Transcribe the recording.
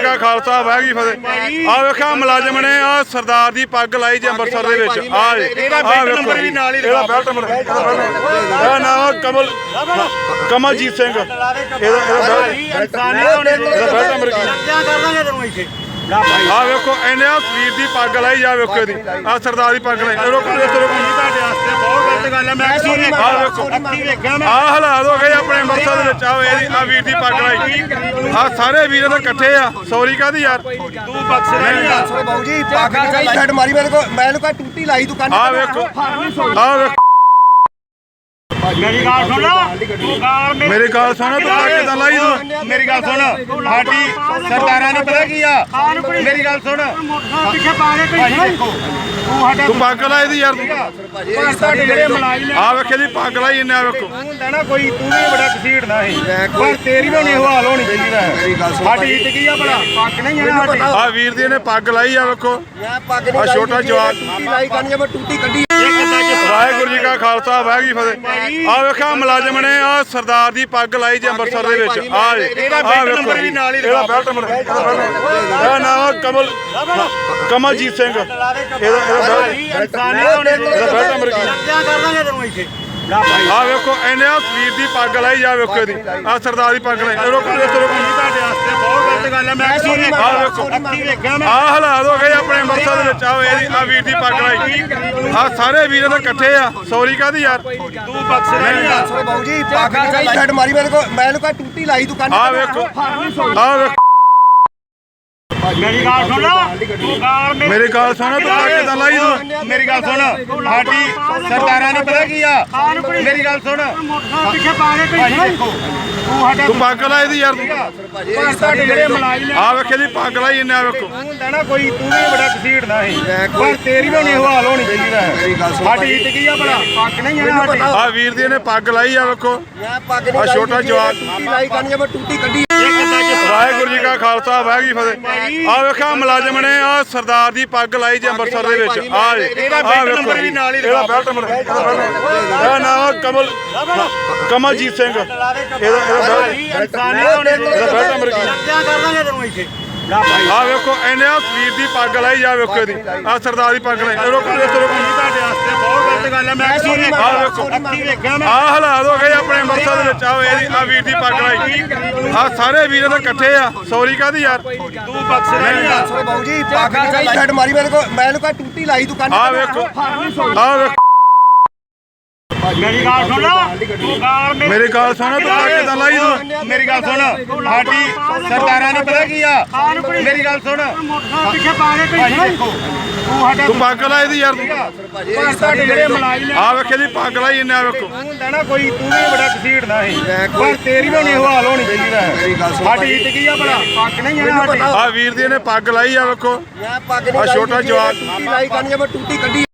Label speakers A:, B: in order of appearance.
A: ਕਾ ਖਾਲਸਾ ਵਾਹਿਗੁਰੂ ਜੀ ਫਤਿਹ। ਆ ਵੇਖਿਆ ਮੁਲਾਜ਼ਮ ਨੇ ਆ ਸਰਦਾਰ ਦੀ ਪੱਗ ਲਾਈ ਜੀ ਅੰਮ੍ਰਿਤਸਰ ਦੇ ਵਿੱਚ। ਆ ਇਹਦਾ ਨੰਬਰ ਵੀ ਨਾਲ ਹੀ ਇਹਦਾ ਬੈਲਟ ਨੰਬਰ। ਇਹਦਾ ਨਾਮ ਕਮਲਜੀਤ ਸਿੰਘ। ਇਹਦਾ ਬੈਲਟ ਨੰਬਰ ਕੀ ਆ ਵੇਖੋ ਇਹਨੇ ਆ ਸਰੀਰ ਦੀ ਪੱਗ ਲਾਈ ਜਾ ਵੇਖੋ ਇਹਦੀ ਆ ਸਰਦਾਰ ਦੀ ਪੱਗ ਲਾਈ। ਰੋਕੋ ਤੁਹਾਡੇ ਵਾਸਤੇ ਬਹੁਤ ਗਲਤ ਗੱਲ ਹੈ। ਮੈਂ ਆ ਵੇਖੋ ਆ ਹਾਲਾਤ ਹੋ ਗਏ ਆਪਣੇ ਅੰਮ੍ਰਿਤਸਰ ਦੇ ਵਿੱਚ। ਆ ਇਹਦੀ ਆ ਵੀਰ ਦੀ ਪੱਗ ਲਾਈ। ਆ ਸਾਰੇ ਵੀਰ ਤਾਂ ਇਕੱਠੇ ਆ। ਸੌਰੀ ਕਾਹਦੀ ਯਾਰ ਤੂੰ ਬਖਸ਼ ਨਹੀਂ
B: ਬਾਬੂ ਜੀ ਪੱਗ ਨਿਕਾਲੀ ਛੱਡ ਮਾਰੀ ਮੈਨੂੰ ਕੋ ਟੂਟੀ ਲਾਈ ਦੁਕਾਨ।
A: ਆ ਵੇਖੋ ਆ ਵੇਖੋ
C: ਮੇਰੀ ਗੱਲ ਸੁਣ
A: ਮੇਰੀ ਗੱਲ ਸੁਣ ਤੂੰ ਕਿਦਾਂ ਲਾਈ ਤੂੰ।
C: ਮੇਰੀ ਗੱਲ ਸੁਣ ਸਾਡੀ ਸਰਦਾਰਾਂ ਨੂੰ ਪਤਾ ਕੀ ਆ। ਮੇਰੀ ਗੱਲ ਸੁਣ ਪਿੱਛੇ ਪਾ ਕੇ
A: ਤੂੰ ਪੱਗ ਲਾਈ ਦੀ ਯਾਰ
C: ਤੂੰ ਸਾਡੇ ਜਿਹੜੇ ਮੁਲਾਜ਼ਮ
A: ਆ ਵੇਖੇ ਦੀ ਪੱਗ ਲਾਈ ਇਹਨੇ। ਆ ਵੇਖੋ
C: ਹੁੰਦਾ ਨਾ ਕੋਈ ਤੂੰ ਵੀ ਬੜਾ ਕਸੀੜਦਾ ਸੀ ਪਰ ਤੇਰੀ ਵੀ ਨਹੀਂ ਹਾਲ ਹੋਣੀ ਚਾਹੀਦੀ ਹੈ। ਸਾਡੀ ਇੱਜ਼ਤ ਕੀ ਆ ਭਲਾ ਪੱਗ ਨਹੀਂ ਹੈ ਸਾਡੀ।
A: ਆ ਵੀਰ ਦੀ ਇਹਨੇ ਪੱਗ ਲਾਈ। ਆ ਵੇਖੋ
B: ਮੈਂ ਪੱਗ ਨਹੀਂ
A: ਆ ਛੋਟਾ ਜਵਾਕ
B: ਟੂਟੀ ਲਾਈ ਕਰਨੀ ਮੈਂ ਟੂਟੀ ਕੱਢੀ।
A: ਵਾਹਿਗੁਰੂ ਜੀ ਕਾ ਖਾਲਸਾ ਵਾਹਿਗੁਰੂ ਜੀ ਫਤਿਹ। ਆ ਵੇਖਿਆ ਮੁਲਾਜ਼ਮ ਨੇ ਆ ਸਰਦਾਰ ਦੀ ਪੱਗ ਲਾਈ ਜੀ ਅੰਮ੍ਰਿਤਸਰ ਦੇ ਵਿੱਚ। ਆ
C: ਇਹਦਾ ਬੈਲਟ ਨੰਬਰ ਵੀ ਨਾਲ ਹੀ
A: ਇਹਦਾ ਬੈਲਟ ਨੰਬਰ। ਇਹਦਾ ਨਾਮ ਕਮਲਜੀਤ ਸਿੰਘ। ਇਹਦਾ ਬੈਲਟ ਨੰਬਰ ਕੀ ਆ ਵੇਖੋ ਇਹਨੇ ਆ ਸਰੀਰ ਦੀ ਪੱਗ ਲਾਈ ਜਾ ਵੇਖੋ ਇਹਦੀ ਆ ਸਰਦਾਰ ਦੀ ਪੱਗ ਲਾਈ। ਰੋਕੋ ਤੁਹਾਡੇ ਵਾਸਤੇ ਬਹੁਤ ਗਲਤ ਗੱਲ ਹੈ। ਮੈਂ ਆ ਵੇਖੋ ਆ ਹਾਲਾਤ ਹੋ ਗਏ ਆਪਣੇ ਅੰਮ੍ਰਿਤਸਰ ਦੇ ਵਿੱਚ। ਆ ਇਹਦੀ ਆ ਵੀਰ ਦੀ ਪੱਗ ਲਾਈ। ਆ ਸਾਰੇ ਵੀਰ ਤਾਂ ਇਕੱਠੇ ਆ। ਸੌਰੀ ਕਾਹਦੀ ਯਾਰ ਤੂੰ ਬਖਸ਼ ਨਹੀਂ
B: ਬਾਬੂ ਜੀ ਪੱਗ ਨਿਕਾਲੀ ਛੱਡ ਮਾਰੀ ਮੈਨੂੰ ਕੋ ਟੂਟੀ ਲਾਈ ਦੁਕਾਨ।
A: ਆ ਵੇਖੋ ਆ ਵੇਖੋ
C: ਮੇਰੀ ਗੱਲ ਸੁਣ
A: ਮੇਰੀ ਗੱਲ ਸੁਣ ਤੂੰ ਕਿਦਾਂ ਲਾਈ ਤੂੰ।
C: ਮੇਰੀ ਗੱਲ ਸੁਣ ਸਾਡੀ ਸਰਦਾਰਾਂ ਨੂੰ ਪਤਾ ਕੀ ਆ। ਮੇਰੀ ਗੱਲ ਸੁਣ ਪਿੱਛੇ ਪਾ ਕੇ
A: ਤੂੰ ਪੱਗ ਲਾਈ ਦੀ ਯਾਰ
C: ਤੂੰ ਸਾਡੇ ਜਿਹੜੇ ਮੁਲਾਜ਼ਮ
A: ਆ ਵੇਖੇ ਦੀ ਪੱਗ ਲਾਈ ਇਹਨੇ। ਆ ਵੇਖੋ
C: ਹੁੰਦਾ ਨਾ ਕੋਈ ਤੂੰ ਵੀ ਬੜਾ ਕਸੀੜਦਾ ਸੀ ਪਰ ਤੇਰੀ ਵੀ ਨਹੀਂ ਹਾਲ ਹੋਣੀ ਚਾਹੀਦੀ ਹੈ। ਸਾਡੀ ਇੱਜ਼ਤ ਕੀ ਆ ਭਲਾ ਪੱਗ ਨਹੀਂ ਹੈ ਸਾਡੀ।
A: ਆ ਵੀਰ ਦੀ ਇਹਨੇ ਪੱਗ ਲਾਈ। ਆ ਵੇਖੋ
B: ਮੈਂ ਪੱਗ
A: ਆ ਛੋਟਾ ਜਵਾਕ
B: ਟੂਟੀ ਲਾਈ ਕਰਨੀ ਮੈਂ ਟੂਟੀ ਕੱਢੀ।
A: ਵਾਹਿਗੁਰੂ ਜੀ ਕਾ ਖਾਲਸਾ ਵਾਹਿਗੁਰੂ ਜੀ ਫਤਿਹ। ਆ ਵੇਖਿਆ ਮੁਲਾਜ਼ਮ ਨੇ ਆ ਸਰਦਾਰ ਦੀ ਪੱਗ ਲਾਈ ਜੀ ਅੰਮ੍ਰਿਤਸਰ ਦੇ ਵਿੱਚ। ਆ
C: ਇਹਦਾ ਬੈਲਟ ਨੰਬਰ ਵੀ ਨਾਲ ਹੀ
A: ਇਹਦਾ ਬੈਲਟ ਨੰਬਰ। ਇਹਦਾ ਨਾਮ ਕਮਲਜੀਤ ਸਿੰਘ। ਇਹਦਾ ਬੈਲਟ ਨੰਬਰ ਕੀ ਆ ਵੇਖੋ ਇਹਨੇ ਆ ਸਰੀਰ ਦੀ ਪੱਗ ਲਾਈ ਜਾ ਵੇਖੋ ਇਹਦੀ ਆ ਸਰਦਾਰ ਦੀ ਪੱਗ ਲਾਈ। ਰੋਕੋ ਤੁਹਾਡੇ ਵਾਸਤੇ ਬਹੁਤ ਗਲਤ ਗੱਲ ਹੈ। ਮੈਂ ਆ ਵੇਖੋ ਆ ਹਾਲਾਤ ਹੋ ਗਏ ਆਪਣੇ ਅੰਮ੍ਰਿਤਸਰ ਦੇ ਵਿੱਚ। ਆ ਇਹਦੀ ਆ ਵੀਰ ਦੀ ਪੱਗ ਲਾਈ। ਆ ਸਾਰੇ ਵੀਰ ਤਾਂ ਇਕੱਠੇ ਆ। ਸੌਰੀ ਕਾਹਦੀ ਯਾਰ ਤੂੰ ਬਖਸ਼ ਨਹੀਂ
B: ਬਾਬੂ ਜੀ ਪੱਗ ਨਿਕਾਲੀ ਛੱਡ ਮਾਰੀ ਮੈਨੂੰ ਕੋ ਟੂਟੀ ਲਾਈ ਦੁਕਾਨ।
A: ਆ ਵੇਖੋ ਆ ਵੇਖੋ
C: ਮੇਰੀ ਗੱਲ ਸੁਣ
A: ਮੇਰੀ ਗੱਲ ਸੁਣ ਤੂੰ ਕਿਦਾਂ ਲਾਈ ਤੂੰ।
C: ਮੇਰੀ ਗੱਲ ਸੁਣ ਸਾਡੀ ਸਰਦਾਰਾਂ ਨੂੰ ਪਤਾ ਕੀ ਆ। ਮੇਰੀ ਗੱਲ ਸੁਣ ਪਿੱਛੇ ਪਾ ਕੇ
A: ਤੂੰ ਪੱਗ ਲਾਈ ਦੀ ਯਾਰ
C: ਪਰ ਸਾਡੇ ਜਿਹੜੇ ਮੁਲਾਜ਼ਮ
A: ਆ ਵੇਖੇ ਦੀ ਪੱਗ ਲਾਈ ਇਹਨੇ। ਆ ਵੇਖੋ
C: ਹੁੰਦਾ ਨਾ ਕੋਈ ਤੂੰ ਵੀ ਬੜਾ ਕਸੀੜਦਾ ਸੀ ਪਰ ਤੇਰੀ ਵੀ ਨਹੀਂ ਹਾਲ ਹੋਣੀ ਚਾਹੀਦੀ ਹੈ। ਸਾਡੀ ਇੱਜ਼ਤ ਕੀ ਆ ਭਲਾ ਪੱਗ ਨਹੀਂ ਹੈ ਸਾਡੀ।
A: ਆ ਵੀਰ ਦੀ ਇਹਨੇ ਪੱਗ ਲਾਈ। ਆ ਵੇਖੋ
B: ਮੈਂ ਪੱਗ
A: ਆ ਛੋਟਾ ਜਵਾਕ
B: ਟੂਟੀ ਲਾਈ ਕਰਨੀ ਮੈਂ ਟੂਟੀ ਕੱਢੀ।